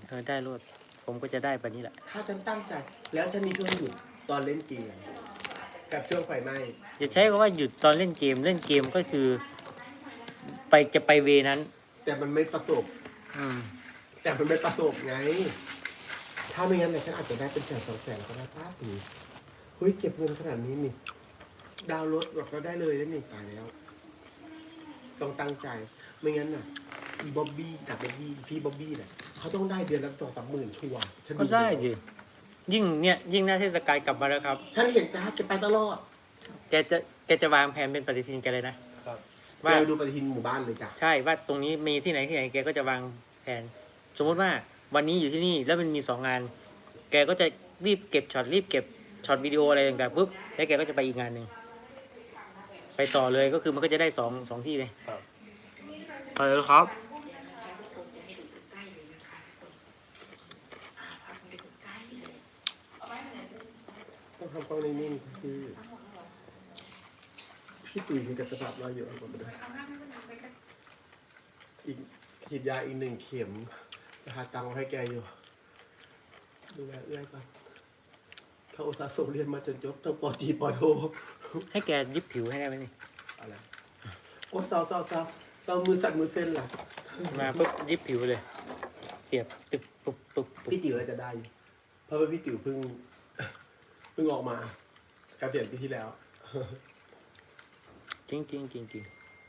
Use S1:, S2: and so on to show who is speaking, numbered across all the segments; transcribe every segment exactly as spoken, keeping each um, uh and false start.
S1: เออได้รวดผมก็จะได้แบบนี้แหละ
S2: ถ้าฉันตั้งใจแล้วฉันมีช่วงหยุดตอนเล่นเกมกับช่วงไฟไหม้
S1: อย่าใช้คำว่าหยุดตอนเล่นเกมเล่นเกมก็คือ ไปจะไปเวนั้น
S2: แต่มันไม่ประสบ
S1: อืม
S2: แต่มันไม่ประสบไง ถ้าไม่งั้นเนี่ยฉันอาจจะได้เป็นแสนสองแสนก็ได้ป้าสีเฮ้ยเก็บเงินขนาดนี้นี่ดาวน์รถแบบก็ได้เลยแล้วนี่ตายแล้ว ต้องตั้งใจไม่งั้นน่ะอีบ๊อบบี้กับบ๊อบบี้พี่บ๊อบบี้เนี่ยเขาต้องได้เดือนละสองสามหมื่นชัวร์ฉัน
S1: ก็ได้สิยิ่งเนี่ยยิ่งหน้าเทศกาลกลับมาแล้วครับ
S2: ฉันเห็นจ้าแกไปตลอด
S1: แกจะแกจะวางแผนเป็นปฏิทินแกเลยนะ
S2: ว่า
S1: ว่า
S2: ดูปฏิทินหมู่บ้านเลยจ้ะ
S1: ใช่ว่าตรงนี้มีที่ไหนที่ไหนแกก็จะวางแผน สมมติว่าวันนี้อยู่ที่นี่แล้วมันมีสองงาน แกก็จะรีบเก็บช็อตรีบเก็บช็อตวิดีโออะไรต่างๆปุ๊บแล้วแกก็จะไปอีกงานหนึ่งไปต่อเลยก็คือมันก็จะได้สองสองที่เลยไปเลยครับ
S2: ต้องทำกล้องนิ่งๆคือพี่ตุ๋ยมีกับกระดับเราเยอะกว่าเลยอีกฉีดยาอีกหนึ่งเข็มจะหาตังค์ให้แกอยู่ดูแลเอื้อยก่อนเขาอุตส่าห์ส่งเรียนมาจนจบทั้งปอตีปอโท
S1: ให้แกยิบผิวให้ได้ไหมนี่
S2: อะไรโอ้เศร้าเศร้าเศร้าเศร้ามือสั่นมือเส้นล่ะ
S1: มาปุ๊บยิบผิวเลยเสียบตึกปุ๊บปุ๊บปุ๊บ
S2: พี่ติ๋วเราจะได้อยู่เพราะว่าพี่ติ๋วเพิ่งเพิ่งออกมาเกษียณปีที่แล้ว
S1: จริงจริงจริงจริง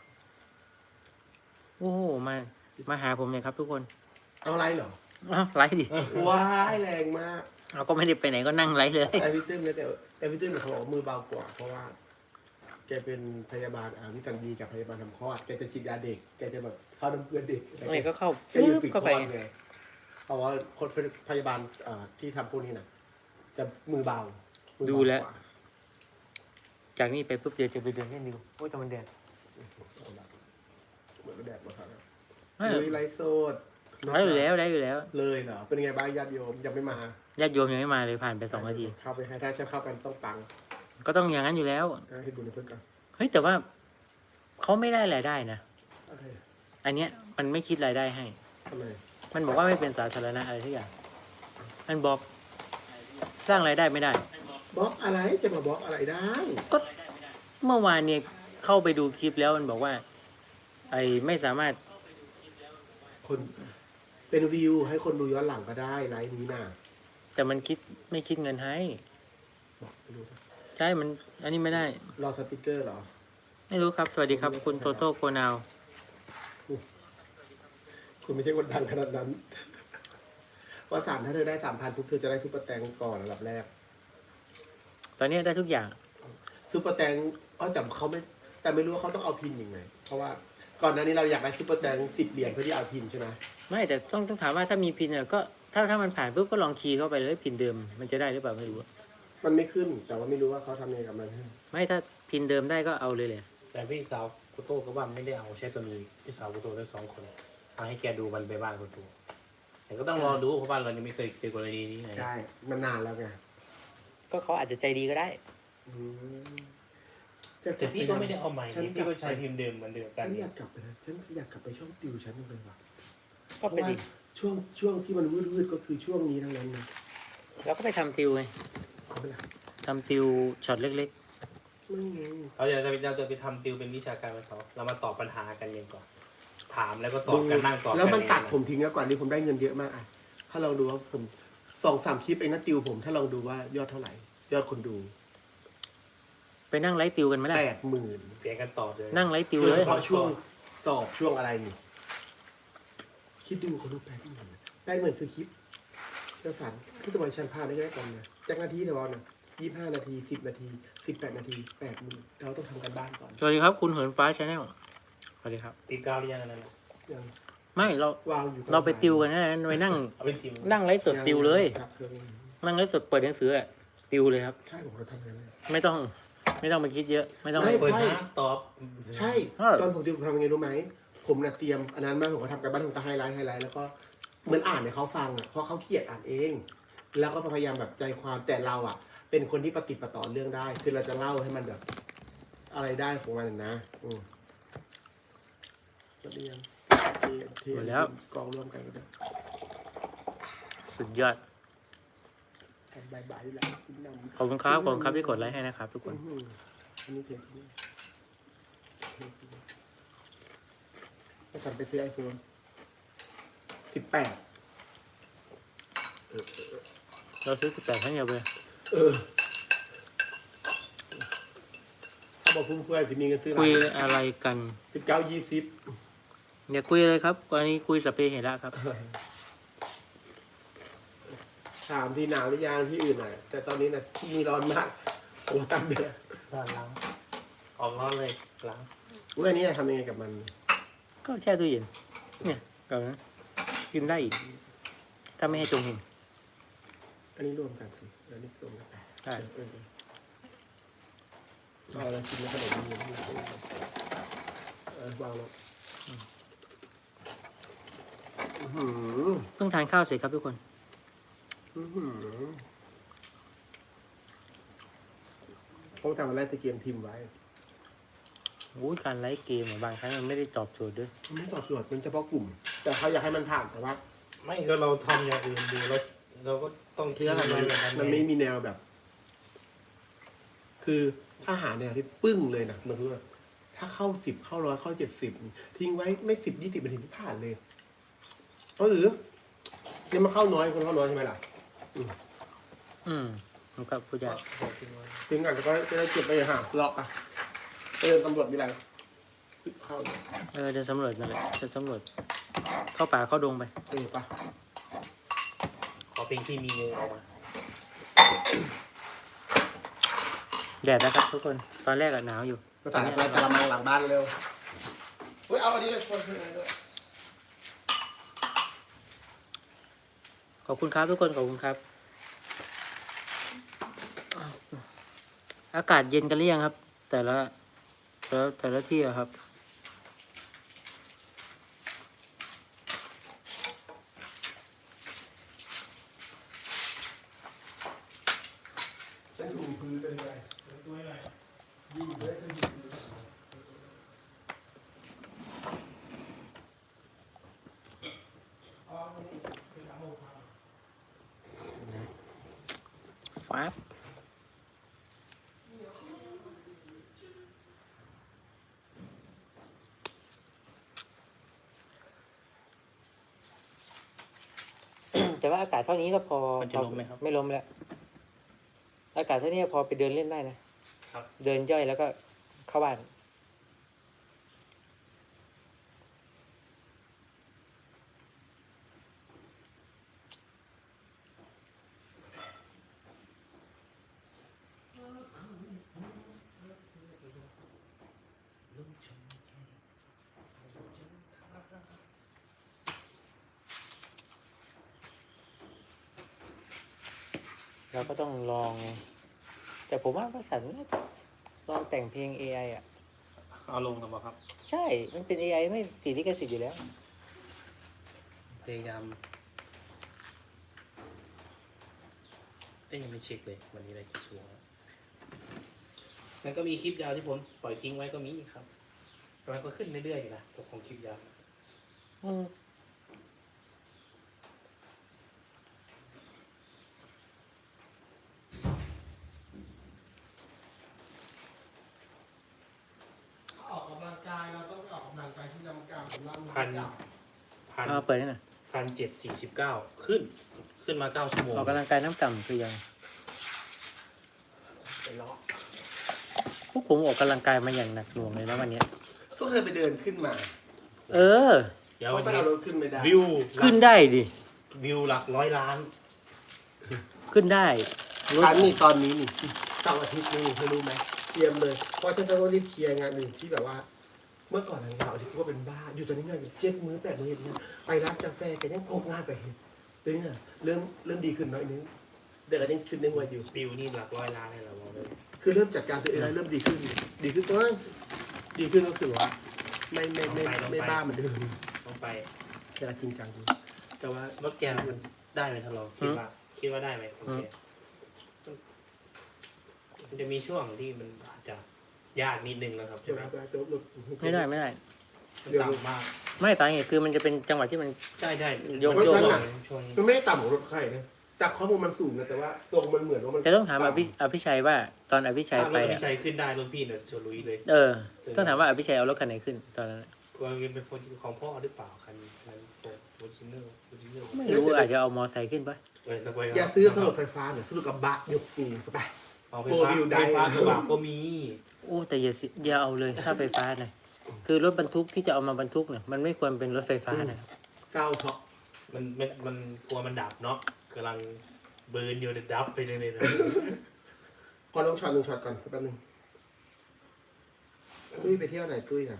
S1: โอ้โหมามาหาผมเลยครับทุกคน
S2: เอาไรเหรอ
S1: อ้าวไลฟ์ดิ
S2: ว้ายแรงมาก
S1: เราก็ไม่ได้ไปไหนก็นั่งไลฟ์เลย
S2: แต่พี่ตื้มเนี่ยแต่แต่พี่ตื้มเนี่ยเขาบอกว่ามือเบากว่าเพราะว่า แกเป็นพยาบาลอ่าวิสัญญีกับพยาบาลทำคลอดแกจะฉีดยาเด็กแกจะแบบเข้าน้ำเกลือเด็ก
S1: ไม่ก็เข้า
S2: แกอยู่ติดค
S1: เข้า
S2: ล
S1: ไป
S2: อดไงเพราะว่าคนเป็นพยาบาลอ่าที่ทำพวกนี้น่ะ จะมือเบามือเบา
S1: ดูแล้ว
S2: กา
S1: จากนี้ไปปุ๊บเดี๋ยวจะไปเดินเล่นดูโอ้ยแต่มันแดด
S2: เหมือนแดดมาครับ
S1: เออ
S2: ลุยไลฟ์โซด
S1: ได้อยู่แล้วได้อยู่แล้ว
S2: เลยเหรอเป็นไงบ้างญาติโยมยังไม่มา
S1: ญาติโยมยังไม่มาเลยผ่านไปสองนาที
S2: เข้าไปให้ถ้าฉันเข้าไปต้องปัง
S1: ก็ต้องอย่างนั้นอยู่แล้ว
S2: ให้ดูในเพื่อนกัน
S1: เฮ้ยแต่ว่าเขาไม่ได้รายได้นะ
S2: อะไร
S1: อันเนี้ยมันไม่คิดรายได้ให้
S2: ทำไม
S1: มันบอกว่าไม่เป็นสาธารณะอะไรทุกอย่าง มันบอกสร้างรายได้ไม่ได้
S2: บล็อกอะไรจะมาบล็อกอะไรได้
S1: ก็เมื่อวานเนี่ยเข้าไปดูคลิปแล้วมันบอกว่า ไอ้ไม่สามารถ
S2: คนเป็นวิวให้คนดูย้อนหลังก็ได้ไลฟ์นี้น่ะ
S1: แต่มันคิดไม่คิดเงินให้
S2: บอกไปดูนะ
S1: ใช่ มัน อันนี้ไม่ได้
S2: รอสติกเกอร์เหรอ
S1: ไม่รู้ครับ สวัสดีครับ คุณโตโต้โกนาว
S2: คุณไม่ใช่คนดังขนาดนั้น ว่าสามถ้าเธอได้สามพันทุกเธอจะได้ซุปเปอร์แตงก่อนอันดับแรก
S1: ตอนนี้ได้ทุกอย่าง
S2: ซุปเปอร์แตงอ๋อแต่เขาไม่แต่ไม่รู้ว่าเขาต้องเอาพินยังไง เพราะว่าก่อนหน้านี้เราอยากได้ซุปเปอร์แตงสิบเหรียญเพื่อที่เอาพินใช่ไหม
S1: ไม่แต่ต้องต้องถามว่าถ้ามีพินเนี่ยก็ถ้าถ้ามันผ่านปุ๊บก็ลองคีย์เข้าไปเลยพินเดิมมันจะได้หรือเปล่าไม่รู้อะ
S2: มันไม่ขึ้น แต่ว่าไม่รู้ว่าเขาทำยังไงกับมัน
S1: ไม่ถ้าพินเดิมได้ก็เอาเลยเลย
S3: แต่พี่สาวกุโต้ก็ว่าไม่ได้เอาใช้ตัวนี้พี่สาวกุโต้ได้สองคนเอาให้แกดูมันไปบ้านกุโต้แต่ก็ต้องรอดูเพราะบ้านเรายังไม่เคยเจอกรณีนี้ไง
S2: ใช่ มันนานแล้วไง
S1: ก็เขาอาจจะใจดีก็ได้
S2: อืม
S3: แต่พี่ก็ไม่ได้เอาใหม่
S2: ฉัน
S3: นี่พี่ก็ใช้พิมพ์เดิมเหมือนเดิมกั
S2: ฉั
S3: น
S2: นอยากกลับไปนะฉันอยากกลับไปช่องติวฉันเลยว่ะ
S1: ก็
S2: เพ
S1: ไป
S2: ราะว่า
S1: ดิ
S2: ช่วงช่วงที่มันวืดๆก็คือช่วงนี้ทั้งนั้นนะ
S1: แล้วก็ไปทำติวไง
S2: เอาไปละ
S1: ทำติวช็อตเล็ก
S2: ไม่ไง
S3: เราจะไปเราจะไปทำติวเป็นวิชาการไปเขาเรามาตอบปัญหากันเองก่อนถามแล้วก็ตอบกันนั่งตอบกัน
S2: แล้วมันตัด
S3: เอง
S2: ผมทิ้งแล้วก่อนนี้ผมได้เงินเยอะมากอ่ะถ้าลองดูว่าผมสองสามคลิปเองนะติวผม ถ้าลองดูว่ายอดเท่าไหร่ ยอดคนดู
S1: ๆ ไปนั่งไลฟ์ติวกันไหมล่ะ
S2: แปดหมื่น
S3: เปลี่ยนกันตอบเลย
S1: นั่งไลฟ์ติว
S2: โด
S1: เลย ย
S2: เฉพาะช่วงสอบช่วงอะไรนี่คิดดูคนดูแปดหมื่นแปดหมื่นคือคลิปเจ้าสันที่ตะวันชันพาได้แค่กันนะจากนาทีเดียวนะยี่ห้านาทีสิบนาทีสิบแปดนาทีแปดหมื่นเราต้องทำกันบ้านก่อน
S1: สวัสดีครับคุณเหินฟ้าชาแนลสวัสดีครับ
S3: ติดกาวหรือยังอันนั้นน่ะ
S2: ยัง
S1: ไม่เรา
S2: วางอยู่
S1: เราไปติวกันนะไปนั่ง
S3: เอาเป็นทีม
S1: นั่งไลฟ์สดติวเลย
S2: ครับเครื่อง
S1: นั่งไลฟ์สดเปิดหนังสืออะติวเลยครับ
S2: ใช่ผมเราทำกันเลย
S1: ไม่ต้อง ไม่ต้องไปคิดเยอะ ไม่ต้อง
S2: ไม่
S3: เปิดหาตอบ
S2: ใช่
S1: เออ
S2: ตอนผมติวผมทำยังไงรู้ไหมผมน่ะเตรียมอันนั้นมาผมก็ทำกันบ้านผมก็ไฮไลท์ไฮไลท์แล้วก็เหมือนอ่านให้เขาฟังอ่ะเพราะเขาเขียนอ่านเอง แล้วก็พยายามแบบใจความแต่เราอ่ะ เป็นคนที่ปฏิดประต่อเรื่องได้ คือเราจะเล่าให้มันแบบ อะไรได้ของมันนะอืมก็เรียนเทียนเทียนกองร่วมกันก็ได้
S1: สุดยอด
S2: บายบายอยู่แล้วกินน้ำ
S1: ขอบคุณครับขอบคุณครับที่กดไลค์ให้นะครับทุกคน
S2: อื้อหืออันนี้เพียงที่นี่ก็สั่งไปซื้อไอโฟนสิบแปด
S1: เราซื้อสิบแปดครั้งเดียวไป
S2: เออ ถ้าบอกฟุ่มเฟือยจะมีเงินซื้อ
S1: คุยอะไรกัน
S2: สิบเก้ายี่สิบ
S1: อย่าคุยเลยครับวันนี้คุยสเปเหระครับ
S2: ถามที่หนาวหรือยังที่อื่นน่ะ แต่ตอนนี้น่ะที่นี่ร้อนมากผมตั้งเดือด
S3: ด้านหล้างออกร้อนเลยหล้าง
S2: อุ้ยอันนี้ทำยังไงกับมัน
S1: ก็แช่ตู้เย็นเนี่ยกับนั้นกินได้อีกถ้าไม่ให้จงเห็น
S2: อันนี้รวมกันสิอันนี้รวมกัน
S1: ได้
S2: เออเออเอาแล้วกินแล้วขนมนี้เออวางแล้วอื้อหือ
S1: เพิ่งทานข้าวเสร็จครับทุกคน
S2: อื้อหือผมทำอะไรตะเกียงทิมไว้
S1: โอ้ยการไลฟ์เกมอะบางครั้งมันไม่ได้ตอบโจทย์ด้วย
S2: มันไม่ตอบโจทย์เป็นเฉพาะกลุ่ม แต่เขาอยากให้มันผ่านแต่ว่า
S3: ไม่ก็เราทำอย่างอื่นดูแล้วเราก็ต้อง
S2: คืออะไรมัน
S3: แบบนั้น
S2: มันไม่มีแนวแบบ คือถ้าหาแนวที่ปึ้งเลยนะมันคือว่าถ้าเข้าสิบเข้าร้อยเข้าเจ็ดสิบทิ้งไว้ไม่สิบยี่สิบนาทีที่ผ่านเลยเพราะหรือเนี่ยมันเข้าน้อยคนเข้าน้อยใช่ไหมล่ะ
S1: อืมมันก็ผู้ใหญ่
S2: ทิ้งก่อนแล้วก็จะได้เก็บไปหาเลาะอ่ะเออตำรวจมีอะไรเข้า
S1: เออจะสำรวจนั่นแหละจะสำรวจเข้าป่าเข้าดงไป
S2: เออปะ
S3: ขอเพลงที่มีงูออกมา
S1: แดดนะครับทุกคนตอนแรกอะหนาวอยู่
S2: ภาษาอะไรกระมังหลังบ้านเร็วเฮ้ยเอาอันนี้เลยคนเลย
S1: ขอบคุณครับทุกคนขอบคุณครับ อากาศเย็นกันหรือยังครับ แต่ละแต่ละแต่ละที่อะครับ
S2: ฉันถูพื้นเป็นไงยิ่งเลยก็ยิ่งพื้น
S1: ฟ้าบ แต่ว่าอากาศเท่านี้ก็พอ
S3: มันจะล้มไหมครับ
S1: ไม่ล้มแล้ว อากาศเท่านี้พอไปเดินเล่นได้นะ
S3: ครับ
S1: เดินย่อยแล้วก็เข้าบ้าน เราก็ต้องลอง แต่ผมว่าก็สันน่าจะลองแต่งเพลง เอ ไอ อ่ะ
S3: เอาลงกันบ่ครับ
S1: ใช่ มันเป็น เอ ไอ ไม่ติดลิขสิทธิ์อยู่แล้ว
S3: พยายามเอ้ยยังไม่เช็คเลยวันนี้อะไรกี่ชั่วโมงแล้วมันก็มีคลิปยาวที่ผมปล่อยทิ้งไว้ก็มีครับแต่มันก็ขึ้นเรื่อยๆอยู่นะตัวของคลิปยาว
S1: อืม
S2: ออกกำลังกายเราต้องไปออกกำลังกายที่ลำกาของเรา
S3: พันพัน
S1: เอาเปิดให้หน่อย
S3: พันเจ็ดสี่สิบเก้าขึ้น ขึ้นมาเก้าชั่วโมง
S1: ออกกำลังกายน้ำต่ำคือยัง
S2: ไปเลาะ
S1: พวกผมออกกำลังกายมาอย่างหนักหน่วงเลยแล้ววันเนี้ย
S2: ก็เคยไปเดินขึ้นมา
S1: เออ
S3: เดี๋ยว
S2: เพ
S3: วั
S2: ราะ
S3: น
S2: ไป
S3: นี้
S2: เอารถขึ้นไม่ได้
S3: วิว
S1: ขึ้นได้ดิ
S3: วิวหลักร้อยล้าน
S1: ขึ้นได้รถ
S2: ฉันนี่ตอนนี้นี่เสาร์อาทิตย์นี่เธอรู้ไหมเตรียมเลย เพราะฉันจะต้องรีบเคลียร์งานหนึ่งที่แบบว่า เมื่อก่อนทางเราที่ก็เป็นบ้า อยู่ตอนนี้เนี่ยเจ็ดมื้อแปดมื้อเนี่ยไปร้านกาแฟกันยังพกงานไปเห็นเดี๋ยวนี้น่ะเริ่มเริ่มดีขึ้นหน้อยนึงเดี๋ยวก็ยังชุดนึงไว้อยู่
S3: วิวนี่หลักร้อยล้านเลยเราบอกเลย
S2: คือเริ่มจัดการตัวเองแล้วเริ่มดีขึ้น ดีขึ้นตัวดีขึ้นก็คือว่าไม่ไม่ไม่ไม่บ้าเหมือนเดิม
S3: ต้องไป
S2: แต่จริงจังดูแต่ว่าร
S3: ถแกมันได้ไหมท่านรองคิดว่า คิดว่าได้ไหมโอเคมันจะมีช่วงที่มันอาจจะยากนิดนึงนะครับ
S2: ใช่
S3: ใช่
S2: ไห
S3: ไห
S2: ม
S3: ม
S2: ตัวรถ
S1: ไม่ได้ไม่ได้
S3: มันต่ำมาก
S1: ไม่สาเหตุคือมันจะเป็นจังหวะที่มัน
S3: ใช่ใช่
S1: โยก
S3: มัน
S1: โยก
S3: ช่วงนี้
S2: มันไม่ได้ต่ำของรถใครนะจากข้อมูลมันสูงนะแต่ว่าตัวมันเหมือนว่ามัน
S1: จะต้องถามอภิอภิชัยว่าตอนอภิชัย
S3: ถ้าร
S1: ไป
S3: ถ
S1: อะ
S3: พี่ชัยขึ้นได้รถพี่เนี่ยชนลุยเลย
S1: เออ ต้องถามว่าอภิชัยเอารถคันไหนขึ้นตอนนั้นอะ
S3: กลัวเป็นคนของพ่อหรือเปล่าคันคันโฟร์โฟร์ชินเนอร์โฟร์ชินเนอร์
S1: ไม่รู้อาจจะเอามอไซค์ขึ้นปะ
S3: เออนักไว้
S2: อย่าซื้อสลดไฟฟ้าเนี่ยสรุปกับบะยกสูงสบาย
S3: เอาไฟฟ้า
S2: โฟร์วิวได้
S3: ไฟฟ้ากระบะก็มี
S1: โอ้แต่อย่าสิอย่าเอาเลยถ้าไฟฟ้านะคือรถบรรทุกที่จะเอามาบรรทุกเนี่ยมันไม่ควรเป็นรถไฟฟ้านะ
S2: เศร้าเพราะ
S3: มันมันมันกลัวมันดับเนาะกำลังเบิร์นอยู่ในดับไปเลยนะ
S2: พอลงช็อตลงช็อตก่อนแป๊บนึงตุ้ยไปเที่ยวไหนตุ้ยอ่ะ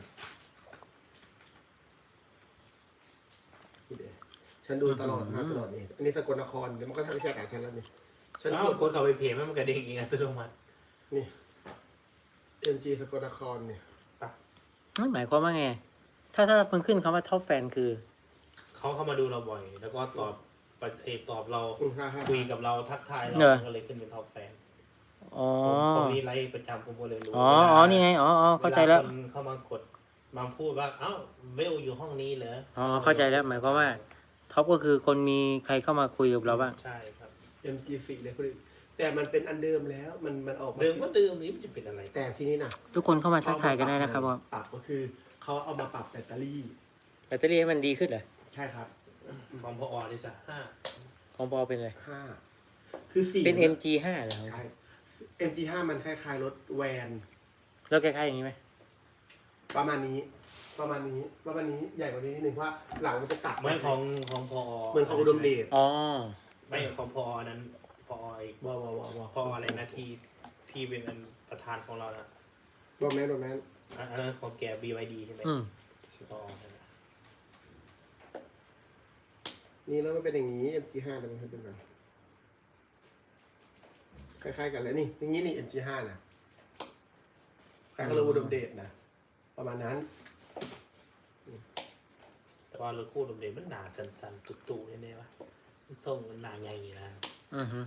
S2: นี่เดี๋ยวฉันดูตลอดมาตลอดนี่อันนี้สกลนครเดี๋ยวมันก็ทำให้แชร์กับฉันแล้วนี่ฉัน
S3: อ้าก ว
S2: ด
S3: กดเข้าไปเพจมันกระเด้งเองอัตโนมัติ
S2: นี่เอ็มจีสกลนครเนี่ย
S1: นั่นหมายความว่าไง ถ้าถ้ามันขึ้นคำว่าท็อปแฟนคือ
S3: เขาเข้ามาดูเราบ่อย แล้วก็ตอบปฏิเอตอบเรา
S2: อืมฮ่าฮ่า
S3: คุยกับเราทักทายเรา
S1: เออ
S3: ก็เลยขึ้นเป็นท็อปแฟน
S1: อ๋อ
S3: ผมผมมีไลฟ์ประจำผมก็เลยรู้
S1: อ๋ออ๋อนี่ไงอ๋ออ๋อเข้าใจแล้ว
S3: วคนเข้ามากดมาพูดว่าเอ้าเวลอยู่ห้องนี้เหรอ
S1: อ๋อเข้าใจแล้วหมายความว่า ท็อปก็คือคนมีใครเข้ามาคุยกับเราบ้าง
S3: ใช่ครับ
S2: เอ็มจีสี่เลยคนอื่นแต่มันเป็นอันเดิมแล้วมันมันออกมา
S3: เดิมก็เดิมนี้มันจะเป็นอะไร
S2: แต่ที่นี่นะ
S1: ทุกคนเข้ามาทักทายกันได้นะครับว่า
S2: ปรับก็คือเขาเอามาปรับแบตเตอรี่
S1: แบตเตอรี่ให้มันดีขึ้นเหรอ
S2: ใช่ครับ
S3: ของพออดิสะห้า
S1: ของปอเป็นอะไร
S2: ห้าคือสี่
S1: เป็น เอ็ม จี ห้าเหรอ
S2: ใช่ เอ็ม จี ห้ามันคล้ายๆรถแวน
S1: แล้วคล้ายๆอย่างนี้ไหม
S2: ประมาณนี้ ประมาณนี้ประมาณนี้ใหญ่กว่านี้นิดนึงเพราะว่าหลังมันจะตัด
S3: เหมือนของของพอ
S2: เหมือนของอุดมเดช
S1: อ๋อ
S3: ไม่ของพอนั้นพออีก
S2: ว้าวว้าวว้าวว้าว
S3: พออะไรนะที่ที่เป็นอันประธานของเรานะ
S2: โดนแมนโดนแมน
S3: อันอันนั้นของแก บี วาย ดี ใช่ไหม
S1: อืม
S3: พอนั่นน่ะ
S2: นี่แล้วมันเป็นอย่างนี้ เอ็ม จี ห้าเดี๋ยวมันให้ดูกันคล้ายๆกันเลยนี่อย่างนี้นี่ เอ็ม จี ห้านะคล้ายกับรถอุดมเดชนะประมาณนั้น
S3: แต่ว่ารถคู่ดมเด่นมันหนาสันๆตุ่ๆแน่ๆวะมันส่งมันหนาใหญ่นะ
S1: อือฮึ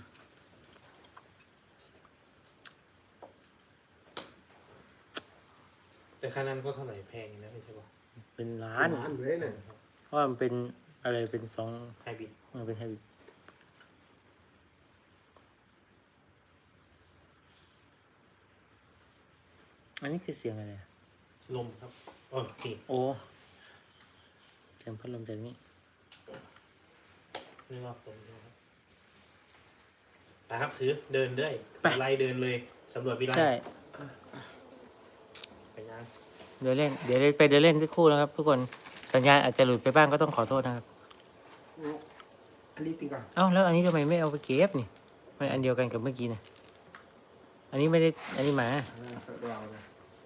S3: แต่คันนั้นก็เท่าไหร่แพงนะไม่ใช่ปะ
S1: เป็นล้า
S2: ล้าน นล้านอยู่เลยเนี่ย
S1: เพราะว่ามันเป็นอะไรเป็นสอง
S3: ไฮบริด
S1: มันเป็นไฮบริดอันนี้คือเสียงอะไรอะ
S3: ลมครับโอ้นี่
S1: โอ้เสียงพัดลมจากนี้
S3: นี่ว่าผมนะครับไปครับถือเดินด้วย
S1: ไป
S3: ไล่เดินเลยสำรวจวิไล
S1: ใช่
S3: ไปงาน
S1: เดี๋ยวเล่น เดี๋ยวไปเดินเล่นสักครู่นะครับ ทุกคน สัญญาณอาจจะหลุดไปบ้างก็ต้องขอโทษนะครับ
S2: อันนี้ปีก่อน
S1: เอ้าแล้วอันนี้ทำไมไม่เอาไปเก็บนี่มันอันเดียวกันกับเมื่อกี้นะอันนี้ไม่ได้ อันนี้หมา
S2: เรานะ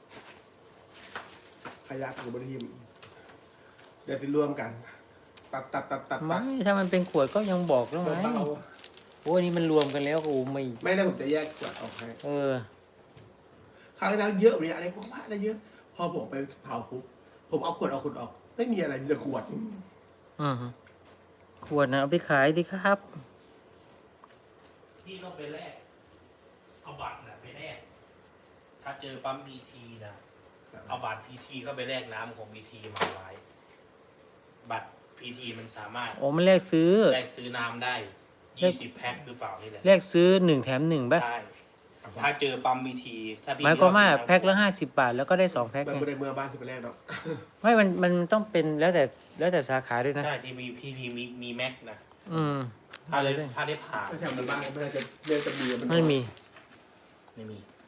S2: ขยะกับบริหิมเดี๋ยวจะรวมกัน ตัดตัดตัดตัด
S1: ไม่
S2: ตัด
S1: ถ้ามันเป็นขวดก็ยังบอกแล้วไง
S2: เบา
S1: โอ้อันนี้มันรวมกันแล้วโอ้ไม่
S2: ๆไม่ได้ผมจะแยกขวดออกให้
S1: เออ
S2: คราวที่แล้วเยอะเลยอะไรพวกบ้าอะไรเยอะ พอผมไปเผาปุ๊บผมเอาขวดเอาขวดออก ไม่มีอะไรมีแต่ขวด
S1: อืมขวดนะเอาไปขายดิครับ
S3: พี่ต้องไปแลกเอาบัตรนะไปแลกถ้าเจอปั๊มพีทีนะเอาบัตรพีทีเข้าไปแลกน้ำของพีทีมาไว้บัตรพีทีมันสามารถ
S1: โอ้มันแลกซื้อ
S3: แลกซื้อน้ำได้ยี่สิบแพ็คหรือเปล่านี่แหละ
S1: แลกซื้อหนึ่งแถมหนึ่งป่ะ
S3: ใช่ถ้าเจอปั๊มพีทีถ้าพี่
S1: หมายความว่า
S3: ชอบ
S1: แพ็คละห้าสิบบาทแล้วก็ได้สองแพ็ค
S2: มัน
S1: ไง
S2: ไม่ได้เมื่อบ้านที่ไปแรกหรอก
S1: ไม่มันมันต้องเป็นแล้วแต่แล้วแต่สาขาด้วยนะ
S3: ใช่ที่มีพีทีมีมีแม็กนะ
S1: อืม
S3: ถ้าได้ถ้าได้ผ่าน
S2: ถ้าแถวมันบ้านไม่น่าจะเรียนจะมีมัน
S1: ไม่มี
S3: ไม่มี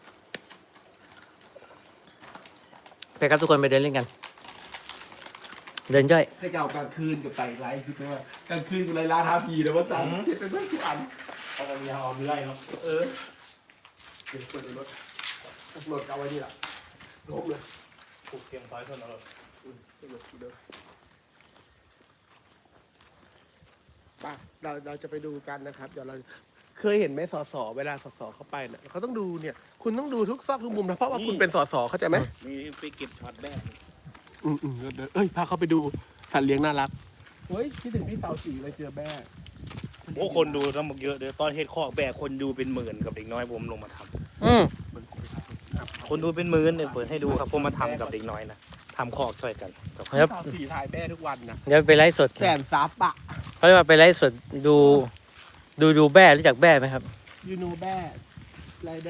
S1: ไปครับทุกคนไปเดินเล่นกัน เดินย่อย
S2: ให้เก่ากลางคืนกับไต่ไลฟ์คือแปลว่ากลางคืนกับไรล่าท้าผีนะว่าจังเจ็บเป็นเรื่องทุกอัน
S3: เอาไปยาวเอาไปไล่เนาะ
S2: เออเดี๋ยวคนในรถรถเอาไว้นี่แหละล้มเลย
S3: ผูกเตรียมซอยส่วนเรา
S2: อืมรถเดิมป่ะเราเราจะไปดูกันนะครับ เดี๋ยวเราเคยเห็นไหมสสเวลาสสเข้าไปเนี่ยเขาต้องดูเนี่ย คุณต้องดูทุกซอกทุกมุมนะเพราะว่าคุณเป็นสสเข้าใจไหม
S3: มีไปเก็บช็อตแรก
S2: อืมอืมเดี๋ยวเอ้ยพาเขาไปดูสัตว์เลี้ยงน่ารักเฮ้ยคิดถึงพี่เต่าสีเลยเจอแม่
S3: โอ้คนดูทั้งหมดเยอะเลยตอนเฮ็ดคอกแบกคนดูเป็นหมื่นกับเด็กน้อยผมลงมาทำ
S1: อืม
S3: คนดูเป็นหมื่นเนี่ยเปิดให้ดูครับผมมาทำกับเด็กน้อยนะทำคอกช่วยกัน
S1: ครับ
S2: สาวสีถ่ายแม่ทุกวันนะ
S1: เดี๋ยวไปไลฟ์สด
S2: แสนซับอะ
S1: เขาเรียกว่าไปไลฟ์สดดูดูดูแบ้รู้จักแบ้ไหมครับ
S2: ยูโนแบ้ไรแบ้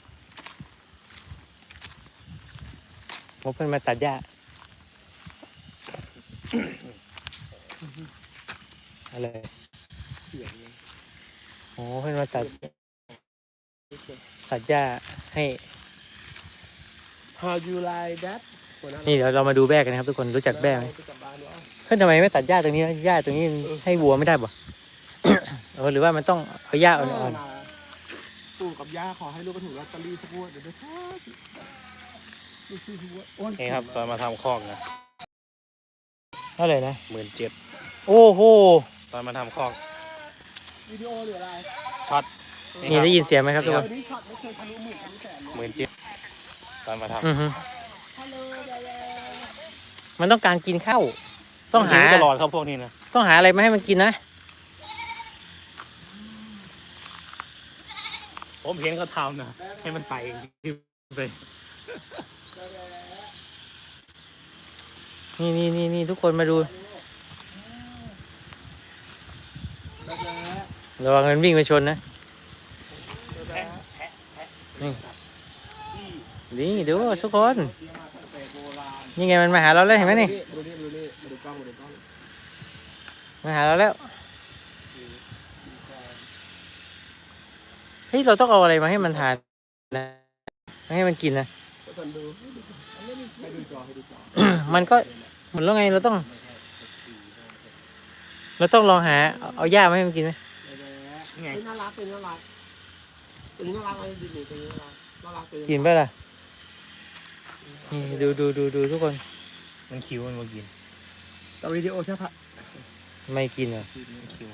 S1: ผมเพิ่นมาตัดหญ้าอะไร
S2: เสียงเลย
S1: โอ้เพิ่นมาตัดตัดหญ้าให้
S2: How you like that
S1: นี่เดี๋ยวเรามาดูแบ้กันนะครับทุกคนรู้จักแบ้ไหม
S2: ไปกลับบ้านวะ
S1: เพื่อนทำไมไม่ตัดหญ้าตรงนี้หญ้าตรงนี้ให้วัวไม่ได้บ่ เออหรือว่ามันต้องเอาหญ้าอ่อน
S2: ปู่กับย่าขอให้ลูกไปถูกลอตเตอรี่ทุกงวดเดี๋ยวไปทอดลูกซื้อทุกงวดโอ้ย
S3: นี่ครับตอนมาทำคอกนะ
S1: ๆเท่าไหร่นะ
S3: หมื่นเจ็ด
S1: โอ้โห
S3: ตอนมาทำคอก
S2: วิดีโอหรืออะไร
S3: ช็อต
S1: นี่ได้ยินเสียงไหมครับทุกคน
S2: วันนี้ช็อตไม่เคยทะลุหมื่นทะลุแสนเลย
S3: หมื่นเจ็ดตอนมาทำ
S1: อือฮึ
S2: ฮัลโหลยายา
S1: มันต้องการกินข้าวต้องหา
S3: ตลอดครับพวกนี้นะ
S1: ต้องหาอะไรมาให้มันกินนะ
S3: ผมเห็นเขาทำนะให้มันไต่ไป
S1: นี่นี่นี่นี่ทุกคนมาดูระวังมันวิ่งไปชนนะนี่นี่ดูทุกคนนี่ไงมันมาหาเราแล้วเห็นไหมนี่
S2: ดูนี่ดูนี่มาดูกล้องมาดูกล้อง
S1: มาหาเราแล้วเฮ้ยเราต้องเอาอะไรมาให้มันทานนะไม่ให้มันกินนะ
S2: ทุกคนดูให้ดูจอให้ดูจอ
S1: มันก็เหมือนแล้วไงเราต้อง เราต้องลองหาเอาเอาหญ้ามาให้มันกินไหม
S3: ไง
S2: น่ารักเป็นน่ารักตัวนี้น่ารักอะไรดีๆตัวนี้น่ารักน่ารักเป็น
S1: กินไปล่ะนี่ดูดูดูดูทุกคน
S3: มันคิวมันมากิน
S2: แต่วิดีโอแค่พัน
S1: ไม่กินเหรอ
S3: มันคิว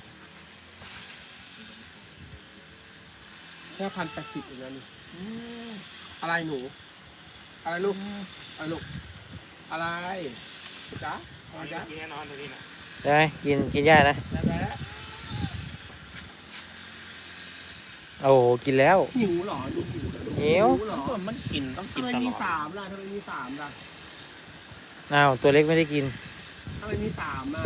S2: แค่พันแปดสิบเองนะนี่อะไรหนู อะไรลูกอะไรลูกอะไรจ๊ะอะไรจ๊ะ
S3: กินแน่นอนตัวนี้นะ
S1: ได้ไหมกินกินหญ้านะ
S2: แล้วแล้ว
S1: โอ้โหกินแล้ว
S2: หิวเหรอลูกหิวเหรอลูก
S1: หิว
S2: เหรอ
S3: ก็มันกินต้องกิ
S2: ทำ
S3: น
S2: ไม
S3: ตล
S2: มี
S3: อด
S2: สามล่ะทำไมมีสามล่ะ
S1: อ้าวตัวเล็กไม่ได้กิน
S2: ทำไมมีสามอ่ะ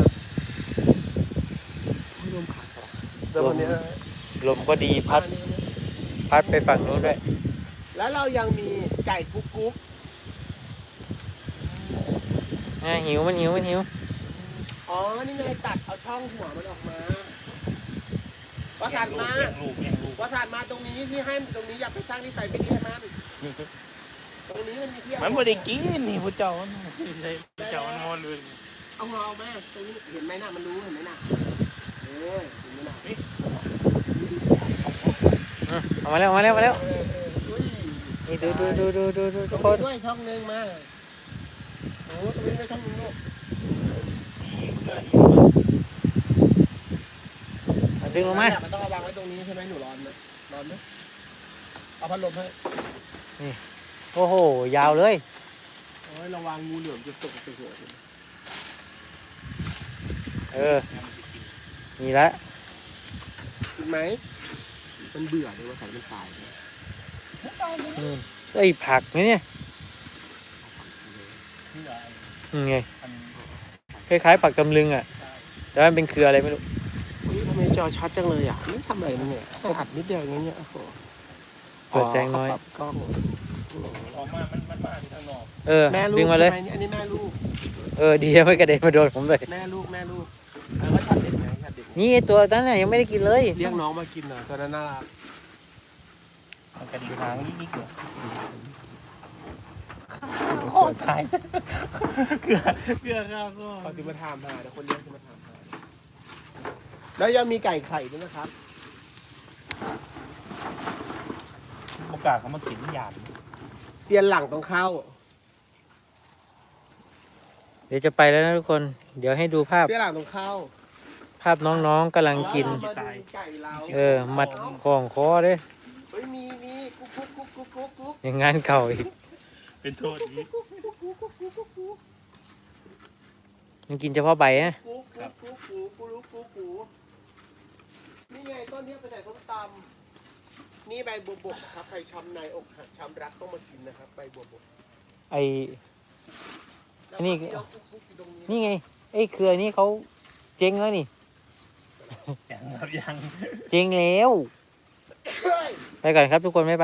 S2: ให้ลมขาดแต่วันเนี้ย
S1: ลมก็ดีพัดพัดไปฝั่งนู้นด้วย
S2: แล้วเรายังมีไก่กุ๊กกุ๊ก
S1: อ่ะหิวมันหิวมันหิว
S2: อ๋อ นี่ไงตัดเอาช่องหัวมันออกมาประสานมา
S3: แย่งลูกแย่งลูก
S2: ประสานมาตรงนี้ที่ให้ตรงนี้อยากไปสร้างนิสัยไม่ดีให้มันตรงนี้มันมีที่
S3: มันไม่ได้กินนี่พระเจ้ามันไม่ใช่พระเจ้ามันมอเลย
S2: เอาหัวเอาแม่ตรงนี้เห็นไหมน่ะมันรู้เห็นไหมน่ะเออเห็นไหมน่ะ
S1: อืมเอามาแล้วเอามาแล้วเอามาแล้ว
S2: เออเอออุ้ย
S1: นี่ดูดูดูดูดูดู
S2: ต
S1: ทุ
S2: ร
S1: ก
S2: ง
S1: ค
S2: นี้
S1: น
S2: ด้วยช่องหนึงมาโอ้ตรงนี้ด้วยช่องหนึงลูก
S1: เอาดึงลงมา
S2: เนี่ยมันต้องเอาวางไว้ตรงนี้ใช่ไหมหนูร้อนไหมร้อนไหมเอาพัดลมให้
S1: โอ้โหยาวเลย
S2: โอ้ยระวังงูเหลือมจะตกใส่หัวคุณ
S1: เออนี่ละ
S2: กินไหมมันเบื่อเลยว่าใส่มันตาย
S1: อืมไอ้ยผักไหมเนี่ยอืมไงคล้ายๆผักตำลึงอ่ะแต่ว่ามันเป็นเครืออะไรไม่รู้
S2: นี่ทำไมจอชัดจังเลยอ่ะนี่ทำอะไรมันเนี่ยแค่อัดนิดเดียวอย่างเงี้ยโอ้โห
S1: เปิดแสงน้อย
S2: ปรับกล้อง
S3: ออกมา มันมันมาที่ข้างนอก
S1: เออ
S2: แม่ลูก
S1: ดึงมาเลย
S2: ใช่ไหอันนี้แม่ลูก
S1: เออดีไม่กระเด็นมาโดนผมเลย
S2: แม่ลูกแม่ลูกแล้วก็ชัดเด็กไหมชัดเด็กไหม
S1: นี่ไอ้ตัวนั้นน่ะยังไม่ได้กินเลย
S2: เรียกน้องมากินหน่อยตอนนั้นน่ารัก
S3: มันกระดิ่งหางนิดๆเดียวโคตรตายเกลือเกลือข้าวก็
S2: เขาจะมาถามหาแต่คนเลี้ยงจะมาถามหาแล้วยังมีไก่ไข่ด้วยนะครับ
S3: โอกาสเขามากินหยาด
S2: เตียนหลังต้องเข้า
S1: เดี๋ยวจะไปแล้วนะทุกคน เดี๋ยวให้ดูภาพ
S2: เตียนหลังต้องเข้า
S1: ภาพน้องๆกำลังกิน
S2: แล้วเรามาดูไก่เรา
S1: เออมัดของคอเด้
S2: เฮ้ยมีมีกุ๊กกุ๊กกุ๊กกุ๊กกุ๊กกุ๊ก
S1: อย่างงานเก่าอีก
S3: เป็นโทษนี้
S1: มันกินเฉพาะใบนะ
S2: กุ๊กกุ๊กกุ๊กกุ๊กกุ๊กกุ๊กกุ๊กนี่ไงต้นนี้ไปใส่ส้มตำนี่ใบบัวบกครับใครช้ำในอกหักช้ำรักต้องมากินนะครับใบบัวบก
S1: ไอ
S2: แล้ว
S1: นี่
S2: นี่เราคุกๆอยู่ตรงนี้
S1: นี่ไงไอ้เครือนี้เขาเจ๊งแล้วนี่
S3: ยังครับยัง
S1: เจ๊งแล้ว
S2: เฮ้ย
S1: ไปก่อนครับทุกคนบ๊ายบาย